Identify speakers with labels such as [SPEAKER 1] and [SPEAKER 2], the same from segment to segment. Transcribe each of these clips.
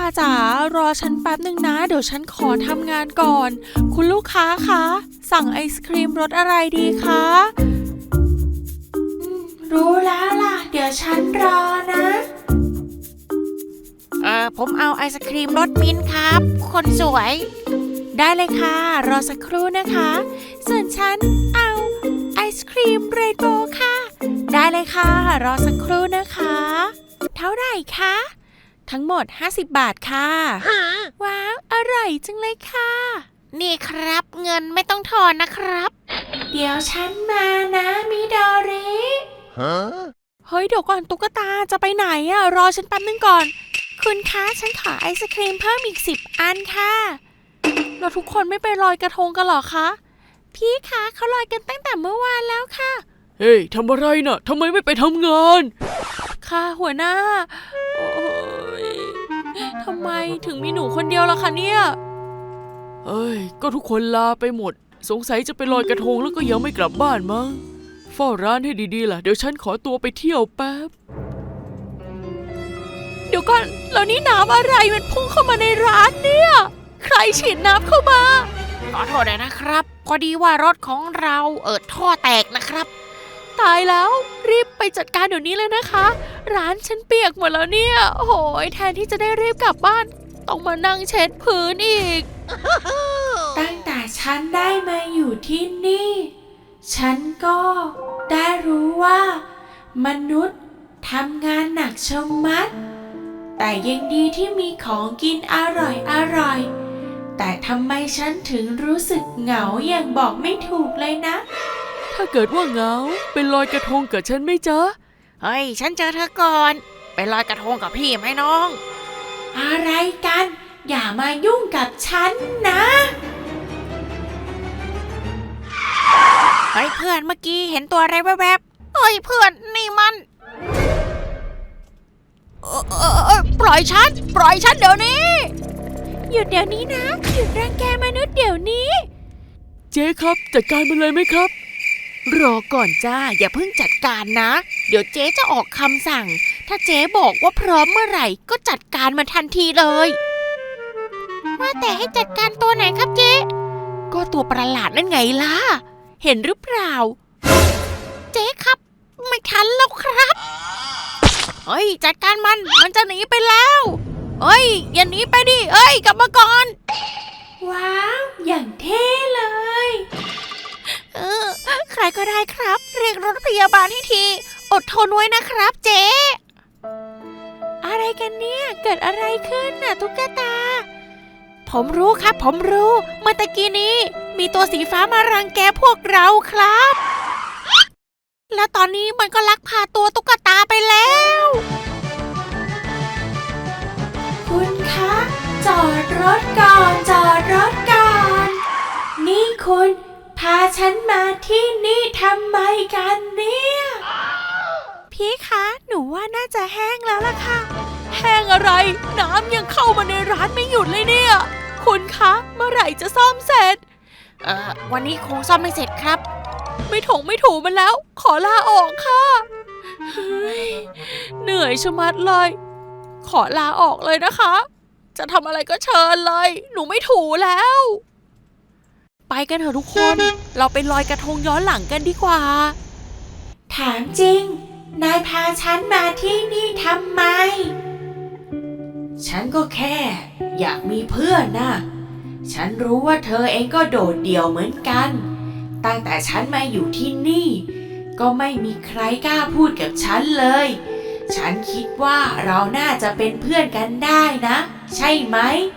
[SPEAKER 1] จ๋ารอฉันแป๊บหนึ่งนะเดี๋ยวฉันขอทำงานก่อนคุณลูกค้าคะสั่งไอศครีมรสอะไรดีคะรู้แล้วล่ะเดี๋ยวฉันรอนะ
[SPEAKER 2] ผมเอาไอศครีมรสมิ้นท์ครับคนสวย
[SPEAKER 1] ได้เลยค่ะรอสักครู่นะคะส่วนฉันเอาไอศครีมเรนโบว์ค่ะได้เลยค่ะรอสักครู่นะคะเท่าไหร่คะทั้งหมด50 บาทค่ะว้าวอร่อยจังเลยค่ะ
[SPEAKER 2] นี่ครับเงินไม่ต้องทอนนะครับ
[SPEAKER 1] เดี๋ยวฉันมานะมิโดริเฮ้ยเดี๋ยวก่อนตุ๊กตาจะไปไหนอะรอฉันแป๊บนึงก่อนคุณคะฉันขอไอศครีมเพิ่มอีก10 อันค่ะเราทุกคนไม่ไปลอยกระทงกันหรอคะพี่คะเขาลอยกันตั้งแต่เมื่อวานแล้วค่ะ
[SPEAKER 3] เฮ้ยทำอะไรน่ะทำไมไม่ไปทำงาน
[SPEAKER 1] ค่ะหัวหน้าโอ้ยทำไมถึงมีหนูคนเดียวล่ะคะเนี่ย
[SPEAKER 3] เอ้ยก็ทุกคนลาไปหมดสงสัยจะไปลอยกระทงแล้วก็ยังไม่กลับบ้านมั้งเฝ้าร้านให้ดีๆล่ะเดี๋ยวฉันขอตัวไปเที่ยวแป๊บ
[SPEAKER 1] เดี๋ยวก่อนแล้วนี่น้ำอะไรมันพุ่งเข้ามาในร้านเนี่ยใครฉีดน้ำเข้ามา
[SPEAKER 2] ขอโทษนะครับพอดีว่ารถของเราท่อแตกนะครับ
[SPEAKER 1] ตายแล้วรีบไปจัดการเดี๋ยวนี้เลยนะคะร้านฉันเปียกหมดแล้วเนี่ยโอ้โหแทนที่จะได้รีบกลับบ้านต้องมานั่งเช็ดพื้นอีก ตั้งแต่ฉันได้มาอยู่ที่นี่ฉันก็ได้รู้ว่ามนุษย์ทำงานหนักชะมัดแต่ยังดีที่มีของกินอร่อยแต่ทำไมฉันถึงรู้สึกเหงาอย่างบอกไม่ถูกเลยนะ
[SPEAKER 3] ถ้าเกิดว่าเหงาไปลอยกระทงกับฉันไหมจ๊ะ
[SPEAKER 2] เฮ้ยฉันเจอเธอก่อนไปลอยกระทงกับพี่ไหมน้อง
[SPEAKER 1] อะไรกันอย่ามายุ่งกับฉันนะ
[SPEAKER 2] เฮ้ยเพื่อนเมื่อกี้เห็นตัวอะไรแวบๆเฮ้ยเพื่อนนี่มันปล่อยฉันเดี๋ยวนี้
[SPEAKER 1] หยุดเดี๋ยวนี้นะหยุดรังแกมนุษย์เดี๋ยวนี้
[SPEAKER 3] เจ๊ครับจัดการมันเลยไหมครับ
[SPEAKER 2] รอก่อนจ้าอย่าเพิ่งจัดการนะเดี๋ยวเจ๊จะออกคำสั่งถ้าเจ๊บอกว่าพร้อมเมื่อไหร่ก็จัดการมันทันทีเลยว่าแต่ให้จัดการตัวไหนครับเจ๊ก็ตัวประหลาดนั่นไงล่ะเห็นหรือเปล่าเจ๊ครับไม่ทันแล้วครับเฮ้ยจัดการมันจะหนีไปแล้วเฮ้ยอย่าหนีไปดิเฮ้ยกลับมาก่อน
[SPEAKER 1] ว้าวอย่างเท่เลย
[SPEAKER 2] ใครก็ได้ครับเรียกรถพยาบาลให้ทีอดทนไว้นะครับเจ๊
[SPEAKER 1] อะไรกันเนี่ยเกิดอะไรขึ้นน่ะตุ๊กตา
[SPEAKER 2] ผมรู้ครับผมรู้เมื่อตะกี้นี้มีตัวสีฟ้ามารังแกพวกเราครับแล้วตอนนี้มันก็ลักพาตัวตุ๊กตาไปแล้ว
[SPEAKER 1] คุณคะจอดรถก่อนนี่คุณพาฉันมาที่นี่ทำไมกันเนี่ยพี่คะหนูว่าน่าจะแห้งแล้วล่ะค่ะแห้งอะไรน้ำยังเข้ามาในร้านไม่หยุดเลยเนี่ยคุณคะเมื่อไหร่จะซ่อมเสร็จ
[SPEAKER 2] วันนี้คงซ่อมไม่เสร็จครับ
[SPEAKER 1] ไม่ถูมันแล้วขอลาออกค่ะเหนื่อยชะมัดเลยขอลาออกเลยนะคะจะทำอะไรก็เชิญเลยหนูไม่ถูแล้วไปกันเถอะทุกคนเราไปลอยกระทงย้อนหลังกันดีกว่าถามจริงนายพาฉันมาที่นี่ทำไมฉันก็แค่อยากมีเพื่อนนะฉันรู้ว่าเธอเองก็โดดเดี่ยวเหมือนกันตั้งแต่ฉันมาอยู่ที่นี่ก็ไม่มีใครกล้าพูดกับฉันเลยฉันคิดว่าเราน่าจะเป็นเพื่อนกันได้นะใช่ไหม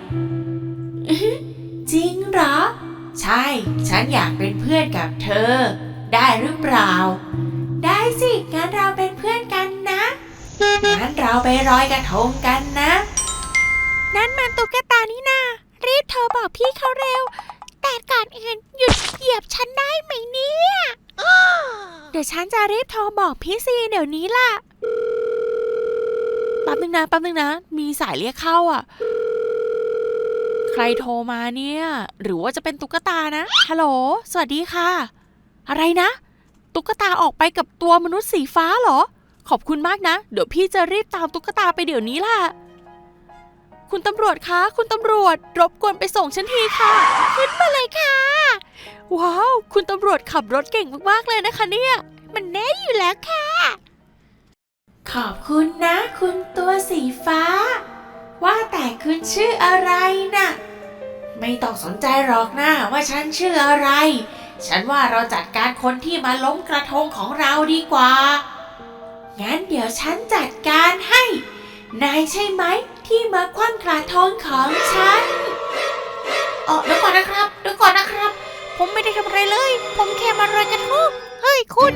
[SPEAKER 1] จริงเหรอใช่ฉันอยากเป็นเพื่อนกับเธอได้หรือเปล่าได้สิงั้นเราเป็นเพื่อนกันนะงั้นเราไปลอยกระทงกันนะนั่นมันตุ๊กตานี่นารีบโทรบอกพี่เขาเร็วแต่ก่อนอื่นหยุดเหยียบฉันได้ไหมเนี่ยเดี๋ยวฉันจะรีบโทรบอกพี่ซีเดี๋ยวนี้ล่ะแป๊บนึงนะมีสายเรียกเข้าอ่ะใครโทรมาเนี่ยหรือว่าจะเป็นตุ๊กตานะฮัลโหลสวัสดีค่ะอะไรนะตุ๊กตาออกไปกับตัวมนุษย์สีฟ้าเหรอขอบคุณมากนะเดี๋ยวพี่จะรีบตามตุ๊กตาไปเดี๋ยวนี้ล่ะ
[SPEAKER 2] คุณตำรวจคะ คุณตำรวจรบกวนไปส่งฉันทีค่ะ ขึ้นมาเลยค่ะ ว้าว คุณตำรวจขับรถเก่งมากๆเลยนะคะเนี่ย มันแน่อยู่แล้วค่ะ
[SPEAKER 1] ขอบคุณนะคุณตัวสีฟ้า ว่าแต่คุณชื่ออะไรน่ะ ไม่ต้องสนใจหรอกนะว่าฉันชื่ออะไร ฉันว่าเราจัดการคนที่มาล้มกระทงของเราดีกว่า งั้นเดี๋ยวฉันจัดการให้ นายใช่ไหมที่มาคว่ำกระทงของฉันเดี๋ยวก่อนนะครับ
[SPEAKER 2] ผมไม่ได้ทำอะไรเลย ผมแค่มารอยกระทง เฮ้ยคุณ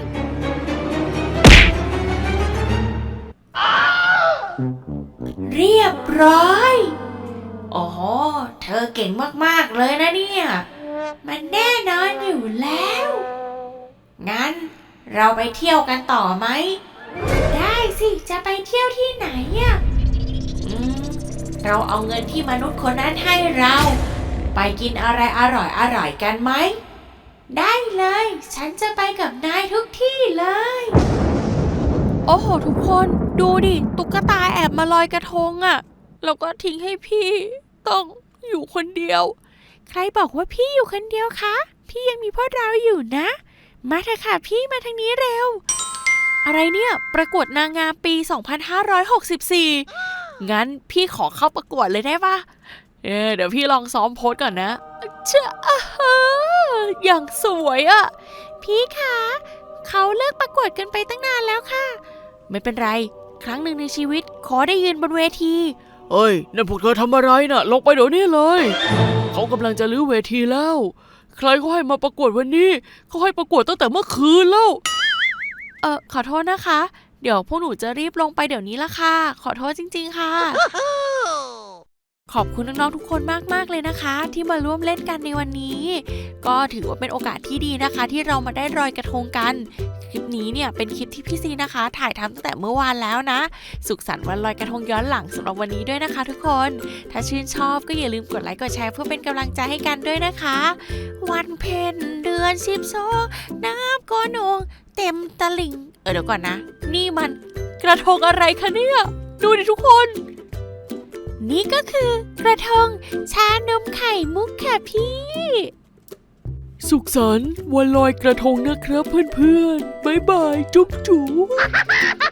[SPEAKER 1] เรียบร้อยโอ้โหเธอเก่งมากๆเลยนะเนี่ย มันแน่นอนอยู่แล้ว งั้นเราไปเที่ยวกันต่อไหม ได้สิ จะไปเที่ยวที่ไหนอ่ะเราเอาเงินที่มนุษย์คนนั้นให้เรา ไปกินอะไรอร่อยๆกันไหม ได้เลย ฉันจะไปกับนายทุกที่เลย
[SPEAKER 2] โอ้โหทุกคนดูดิตุ๊กตาแอบมาลอยกระทงอะ่ะแล้วก็ทิ้งให้พี่ต้องอยู่คนเดียว ใครบอกว่าพี่อยู่คนเดียวคะพี่ยังมีพวกเราอยู่นะ มาเถอะค่ะพี่มาทางนี้เร็ว อะไรเนี่ยประกวดนางงามปี 2564 งั้นพี่ขอเข้าประกวดเลยได้ปะเดี๋ยวพี่ลองซ้อมโพสก่อนนะเจ้าอย่างสวยอะ่ะพี่คะเขาเลิกประกวดกันไปตั้งนานแล้วค่ะไม่เป็นไรครั้งหนึ่งในชีวิตขอได้ยืนบนเวที
[SPEAKER 3] เฮ้ยนั่นพวกเธอทำอะไรน่ะลงไปเดี๋ยวนี้เลย เขากำลังจะรื้อเวทีแล้ว ใครเขาให้มาประกวดวันนี้เขาให้ประกวดตั้งแต่เมื่อคืนแล้ว
[SPEAKER 2] ขอโทษนะคะ เดี๋ยวพวกหนูจะรีบลงไปเดี๋ยวนี้ละค่ะ ขอโทษจริงๆค่ะ ขอบคุณน้องๆทุกคนมากๆเลยนะคะ ที่มาร่วมเล่นกันในวันนี้ ก็ถือว่าเป็นโอกาสที่ดีนะคะ ที่เรามาได้ลอยกระทงกัน คลิปนี้เนี่ยเป็นคลิปที่พี่ซีนะคะ ถ่ายทำตั้งแต่เมื่อวานแล้วนะ สุขสันต์วันลอยกระทงย้อนหลังสำหรับวันนี้ด้วยนะคะทุกคน ถ้าชื่นชอบก็อย่าลืมกดไลค์กดแชร์เพื่อเป็นกำลังใจให้กันด้วยนะคะ วันเพ็ญเดือน12น้ำก็นองเต็มตลิ่งเดี๋ยวก่อนนะ นี่มันกระทงอะไรคะเนี่ยดูดิทุกคน นี่ก็คือกระทงชานมไข่มุกค่ะพี่
[SPEAKER 3] สุขสันต์วันลอยกระทงนะครับเพื่อนๆบ๊ายบายจุ๊บจุ๊บ